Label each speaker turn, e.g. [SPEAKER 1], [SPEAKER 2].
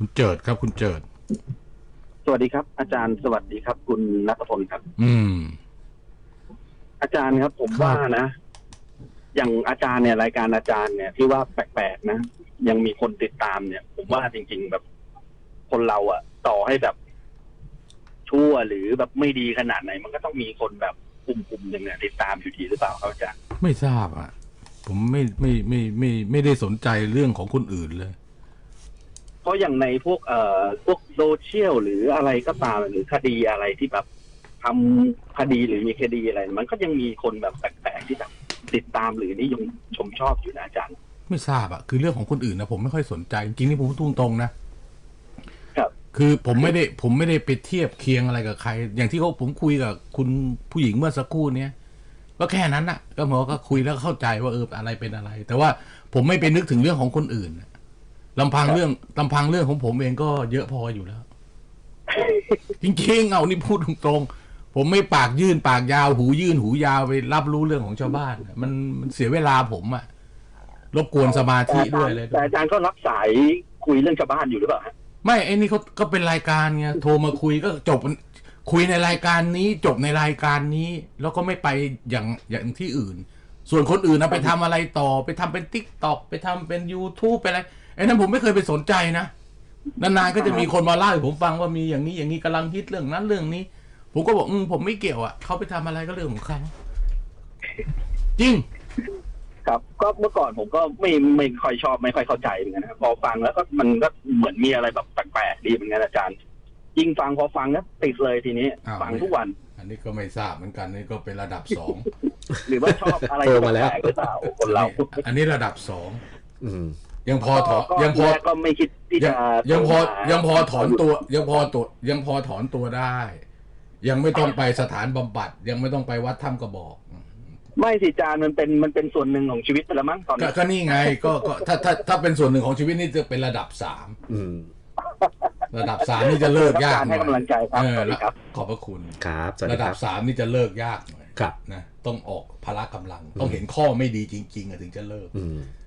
[SPEAKER 1] คุณเจิดครับคุณเจิด
[SPEAKER 2] สวัสดีครับอาจารย์สวัสดีครับคุณณัฐพลครับอาจารย์ครับผมว่านะอย่างอาจารย์เนี่ยรายการอาจารย์เนี่ยที่ว่าแปลกๆนะยังมีคนติดตามเนี่ยผมว่าจริงๆแบบคนเราอะต่อให้แบบชั่วหรือแบบไม่ดีขนาดไหนมันก็ต้องมีคนแบบกลุ่มหนึ่งเนี่ยติดตามอยู่ดีหรือเปล่าครับอาจารย์
[SPEAKER 1] ไม่ทราบอ่ะผมไม่ได้สนใจเรื่องของคนอื่นเลย
[SPEAKER 2] เพราะอย่างในพวกโซเชียลหรืออะไรก็ตามหรือคดีอะไรที่แบบทำคดีหรือมีคดีอะไรมันก็ยังมีคนแบบแปลกๆที่แบบติดตามหรือนิยมชมชอบอยู่นะอาจารย์
[SPEAKER 1] ไม่ทราบอ่ะคือเรื่องของคนอื่นนะผมไม่ค่อยสนใจจริงๆนี่ผมพูดตรงๆนะครับคือผมไม่ได้ไปเทียบเคียงอะไรกับใครอย่างที่ผมคุยกับคุณผู้หญิงเมื่อสักครู่เนี้ยก็แค่นั้นน่ะก็หมอก็คุยแล้วเข้าใจว่าอะไรเป็นอะไรแต่ว่าผมไม่ไปนึกถึงเรื่องของคนอื่นลำพังเรื่องของผมเองก็เยอะพออยู่แล้วจริงๆเอานี่พูดตรงๆผมไม่ปากยื่นปากยาวหูยื่นหูยาวไปรับรู้เรื่องของชาวบ้านมันเสียเวลาผมอะรบกวนสมาธิด้วยเลย
[SPEAKER 2] แต่อาจารย์ก็รับสายคุยเรื่องชาวบ้านอยู่หรือเปล่า
[SPEAKER 1] ไม่ไอ้นี่เขาก็เป็นรายการไงโทรมาคุยก็จบคุยในรายการนี้จบในรายการนี้แล้วก็ไม่ไปอย่างที่อื่นส่วนคนอื่นนะไปทำอะไรต่อไปทำเป็น TikTok ไปทำเป็น YouTube ไปอะไรไอ้นั้นผมไม่เคยไปสนใจนะนานๆก็จะมีคนมาเล่าให้ผมฟังว่ามีอย่างนี้กำลังฮิตเรื่องนั้นเรื่องนี้ผมก็บอกผมไม่เกี่ยวอ่ะเขาไปทำอะไรก็เรื่องของเขาจริง
[SPEAKER 2] ครับก็เมื่อก่อนผมก็ไม่ค่อยชอบไม่ค่อยเข้าใจเหมือนกันนะพอฟังแล้วก็มันก็เหมือนมีอะไรแบบแปลกๆดีเหมือนกันอาจารย์ยิ่งฟังพอฟังก็ติดเลยทีนี้ฟังทุกวัน
[SPEAKER 1] อันนี้ก็ไม่ทราบเหมือนกันนี่ก็เป็นระดับ2
[SPEAKER 2] หรือว่าชอบอะไรแปลกๆหรือเปล่าคนเรา
[SPEAKER 1] อันนี้ระดับ2ยังพอถอน
[SPEAKER 2] ก็ไม่คิดที่จะ
[SPEAKER 1] ยังพอถอนตัวยังพอถอนตัวได้ยังไม่ต้องไปสถานบำบัดยังไม่ต้องไปวัดถ้ำกระบอก
[SPEAKER 2] ไม่สิจานมันเป็นส่วนหนึ่งของชีวิตไปแล้วมั้งตอนนี้
[SPEAKER 1] ก็นี่ไงก็ถ้าเป็นส่วนหนึ่งของชีวิตนี่จะเป็นระดับ3ระดับ3นี่จะเลิกยาก
[SPEAKER 2] ให้กำลังใจครับ
[SPEAKER 1] ขอบพระคุณ
[SPEAKER 3] ครับ
[SPEAKER 1] ระดับ3นี่จะเลิกยากหน่อยนะต้องออกพละกำลังต้องเห็นข้อไม่ดีจริงๆถึงจะเลิก